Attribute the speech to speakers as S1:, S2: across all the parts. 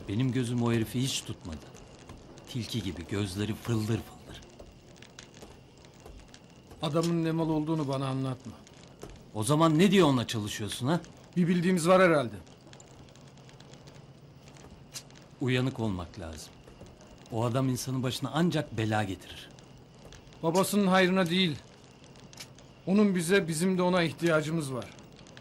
S1: Benim gözüm o herifi hiç tutmadı. Tilki gibi gözleri fıldır fıldır.
S2: Adamın ne mal olduğunu bana anlatma.
S1: O zaman ne diye onunla çalışıyorsun ha?
S2: Bir bildiğimiz var herhalde.
S1: Uyanık olmak lazım. O adam insanın başına ancak bela getirir.
S2: Babasının hayrına değil. Onun bize, bizim de ona ihtiyacımız var.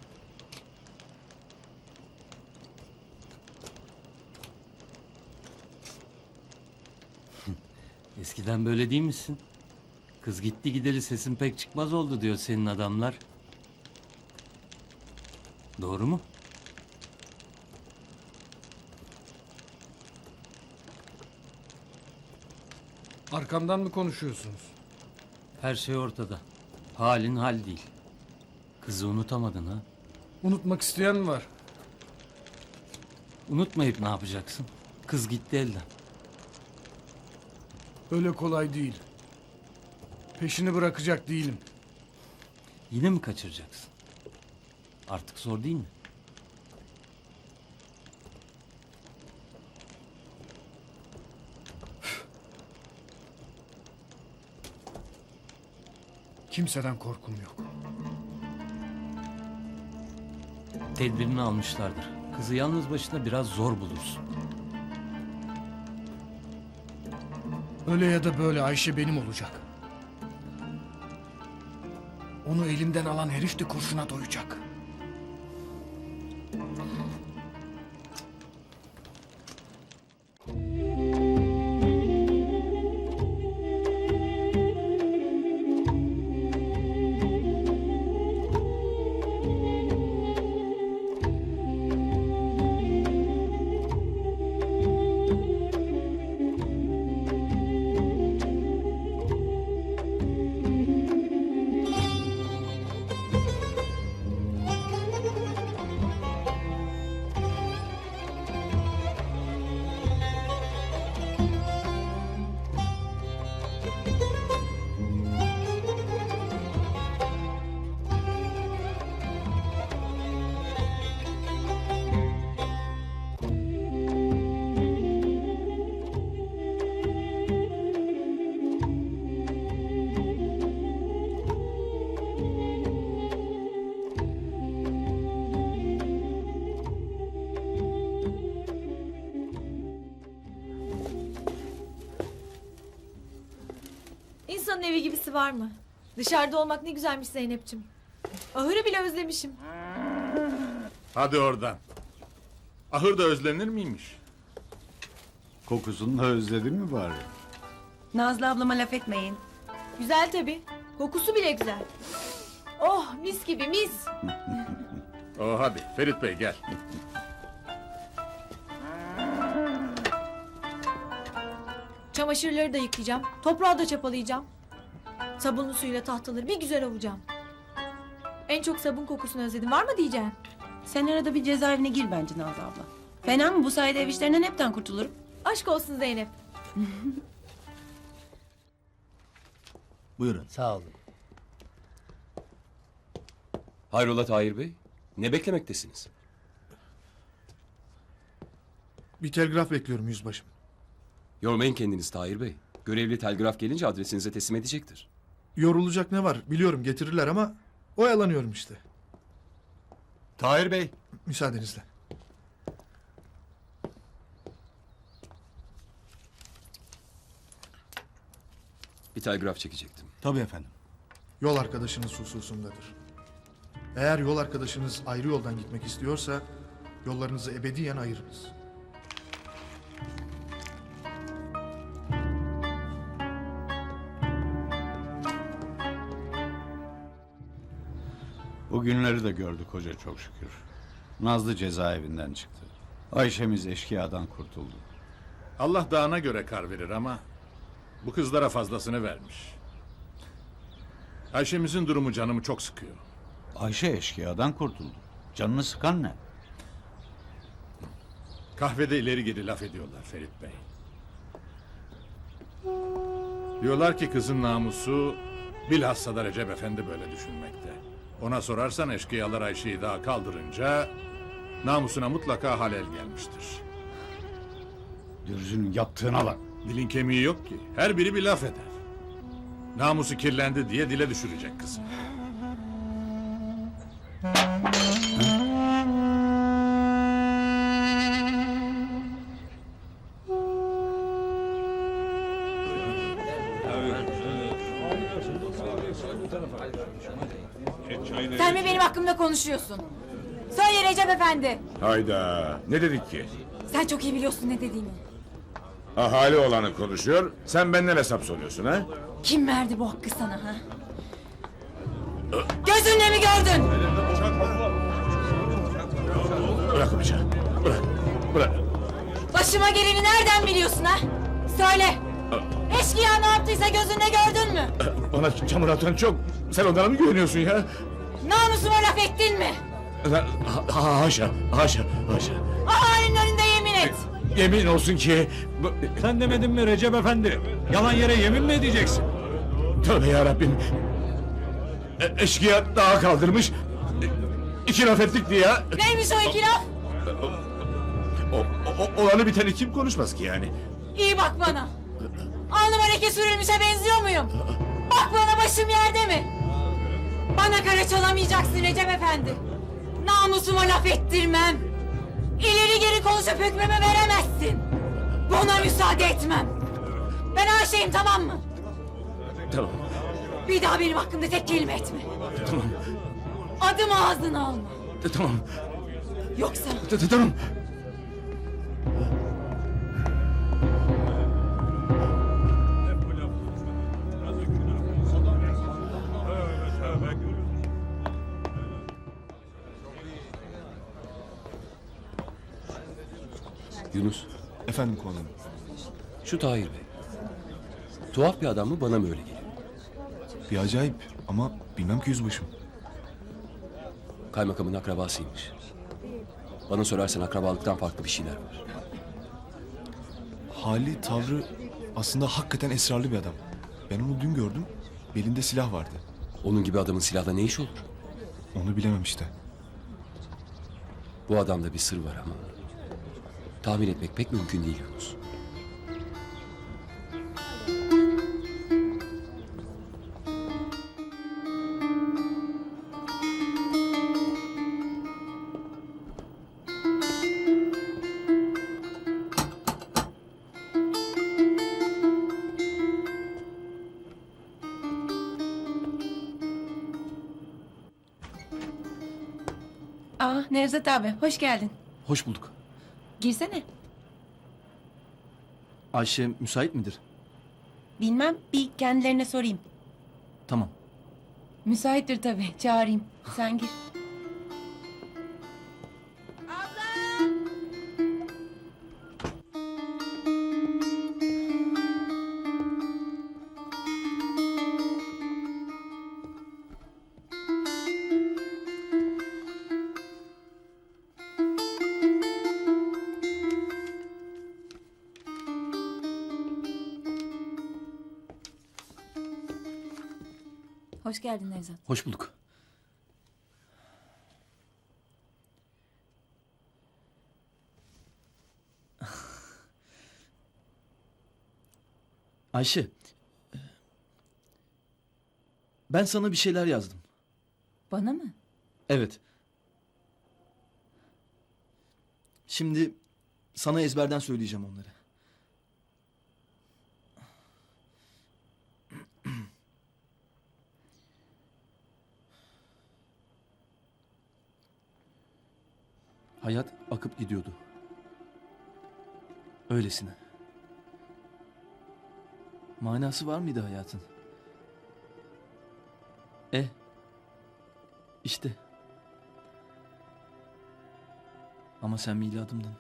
S1: Eskiden böyle değil misin? Kız gitti gideli sesin pek çıkmaz oldu diyor senin adamlar. Doğru mu?
S2: Arkamdan mı konuşuyorsunuz?
S1: Her şey ortada. Halin hal değil. Kızı unutamadın ha?
S2: Unutmak isteyen mi var?
S1: Unutmayıp ne yapacaksın? Kız gitti elden.
S2: Öyle kolay değil. Peşini bırakacak değilim.
S1: Yine mi kaçıracaksın? Artık zor değil mi?
S2: Kimseden korkum yok.
S1: Tedbirini almışlardır. Kızı yalnız başına biraz zor bulursun.
S2: Öyle ya da böyle Ayşe benim olacak. Onu elimden alan herif de kurşuna doyacak.
S3: İnsanın evi gibisi var mı? Dışarıda olmak ne güzelmiş Zeynep'ciğim. Ahırı bile özlemişim.
S4: Hadi oradan. Ahır da özlenir miymiş?
S5: Kokusunu da özledin mi bari?
S6: Nazlı ablama laf etmeyin.
S3: Güzel tabii. Kokusu bile güzel. Oh mis gibi mis.
S4: Hadi Ferit Bey gel.
S3: Çamaşırları da yıkayacağım. Toprağı da çapalayacağım. Sabunlu suyla tahtaları bir güzel ovacağım. En çok sabun kokusunu özledim. Var mı diyeceğim?
S6: Sen arada bir cezaevine gir bence Nazlı abla. Fena mı? Bu sayede ev işlerinden hepten kurtulurum.
S3: Aşk olsun Zeynep.
S7: Buyurun.
S8: Sağ olun.
S9: Hayrola Tahir Bey? Ne beklemektesiniz?
S7: Bir telgraf bekliyorum yüzbaşım.
S9: Yormayın kendiniz Tahir Bey. Görevli telgraf gelince adresinize teslim edecektir.
S7: Yorulacak ne var biliyorum getirirler ama oyalanıyorum işte.
S5: Tahir Bey.
S7: Müsaadenizle.
S9: Bir telgraf çekecektim.
S7: Tabii efendim. Yol arkadaşınız hususundadır. Eğer yol arkadaşınız ayrı yoldan gitmek istiyorsa yollarınızı ebediyen ayırınız.
S5: Bu günleri de gördük hoca çok şükür. Nazlı cezaevinden çıktı. Ayşemiz eşkıyadan kurtuldu.
S4: Allah dağına göre kar verir ama bu kızlara fazlasını vermiş. Ayşemizin durumu canımı çok sıkıyor.
S5: Ayşe eşkıyadan kurtuldu. Canını sıkan ne?
S4: Kahvede ileri geri laf ediyorlar Ferit Bey. Diyorlar ki kızın namusu bilhassa da Recep Efendi böyle düşünmekte. Ona sorarsan eşkıyalar Ayşe'yi daha kaldırınca namusuna mutlaka halel gelmiştir.
S5: Dürzünün yaptığına bak.
S4: Dilin kemiği yok ki. Her biri bir laf eder. Namusu kirlendi diye dile düşürecek kızı.
S8: Sen mi benim hakkımda konuşuyorsun? Söyle Recep Efendi.
S10: Hayda, ne dedik ki?
S8: Sen çok iyi biliyorsun ne dediğimi.
S10: Ahali olanı konuşuyor, sen benden hesap soruyorsun ha?
S8: Kim verdi bu hakkı sana ha? Gözünle mi gördün?
S10: Bırak bıçağı, bırak.
S8: Başıma geleni nereden biliyorsun ha? Söyle. Eşkıya ne yaptıysa gözünle gördün mü?
S10: Bana çamur atan çok, sen onlara mı güveniyorsun ya?
S8: Namusuma laf ettin mi?
S10: Haşa.
S8: Ahalinin önünde yemin et.
S10: Yemin olsun ki...
S5: Sen demedin mi Recep Efendi? Yalan yere yemin mi edeceksin?
S10: Tövbe yarabbim. Eşkıya dağa kaldırmış. İki laf ettik diye.
S8: Neymiş o iki laf?
S10: Olanı biteni kim konuşmaz ki yani?
S8: İyi bak bana. Alnıma leke sürülmüşe benziyor muyum? Bak bana, başım yerde mi? Bana kara çalamayacaksın Recep Efendi. Namusuma laf ettirmem. İleri geri konuşup hükmümü veremezsin. Buna müsaade etmem. Ben Ayşe'yim, tamam mı?
S10: Tamam.
S8: Bir daha benim hakkımda tek kelime etme.
S10: Tamam.
S8: Adımı ağzına alma.
S10: Tamam.
S8: Yoksa
S10: Tamam.
S9: Yunus,
S11: Efendim komutanım.
S9: şu Tahir Bey. Tuhaf bir adam mı, bana mı öyle geliyor?
S11: Bir acayip ama bilmem ki yüzbaşım.
S9: Kaymakamın akrabasıymış. Bana sorarsan akrabalıktan farklı bir şeyler var.
S11: Hali, tavrı aslında hakikaten esrarlı bir adam. Ben onu dün gördüm. Belinde silah vardı.
S9: Onun gibi adamın silahla ne iş olur?
S11: Onu bilemem işte.
S9: Bu adamda bir sır var ama... tahmin etmek pek mümkün değil Yunus.
S6: Nevzat abi, hoş geldin.
S12: Hoş bulduk.
S6: Girsene.
S12: Ayşe müsait midir?
S6: Bilmem, bir kendilerine sorayım.
S12: Tamam.
S6: Müsaittir tabii, çağırayım. Sen gir.
S8: hoş geldin Nevzat.
S12: Hoş bulduk. Ayşe. Ben sana bir şeyler yazdım.
S8: Bana mı?
S12: Evet. Şimdi sana ezberden söyleyeceğim onları. Hayat akıp gidiyordu. Öylesine. Manası var mıydı hayatın? İşte. Ama sen miladımdın.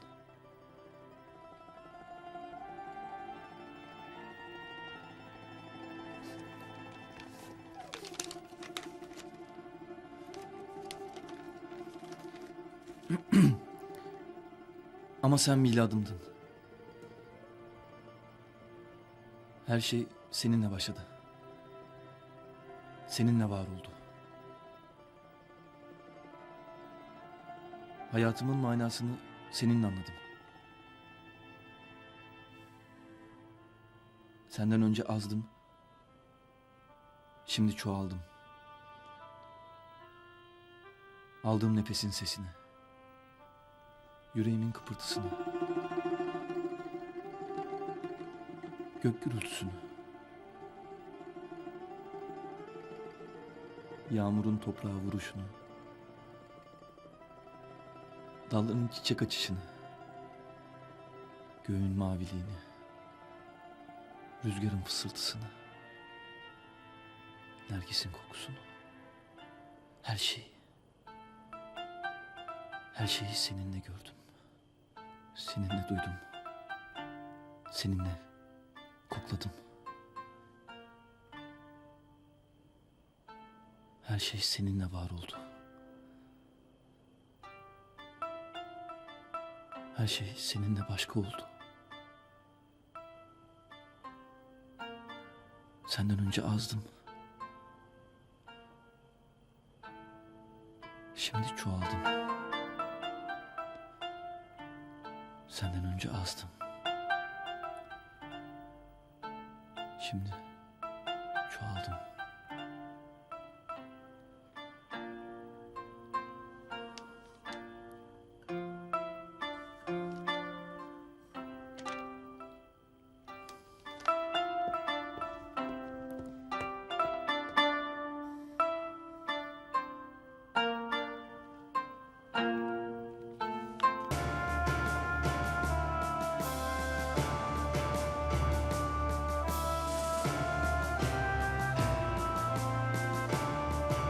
S12: Ama sen miladımdın. Her şey seninle başladı. Seninle var oldu. Hayatımın manasını seninle anladım. Senden önce azdım. Şimdi çoğaldım. Aldığım nefesin sesini. Yüreğimin kıpırtısını. Gök gürültüsünü. Yağmurun toprağa vuruşunu. Dalların çiçek açışını. Göğün maviliğini. Rüzgarın fısıltısını. Nergisin kokusunu. Her şeyi. Her şeyi seninle gördüm. Seninle duydum. Seninle kokladım. Her şey seninle var oldu. Her şey seninle başka oldu. Senden önce azdım. Şimdi çoğaldım. Senden önce azdım. Şimdi çoğaldım.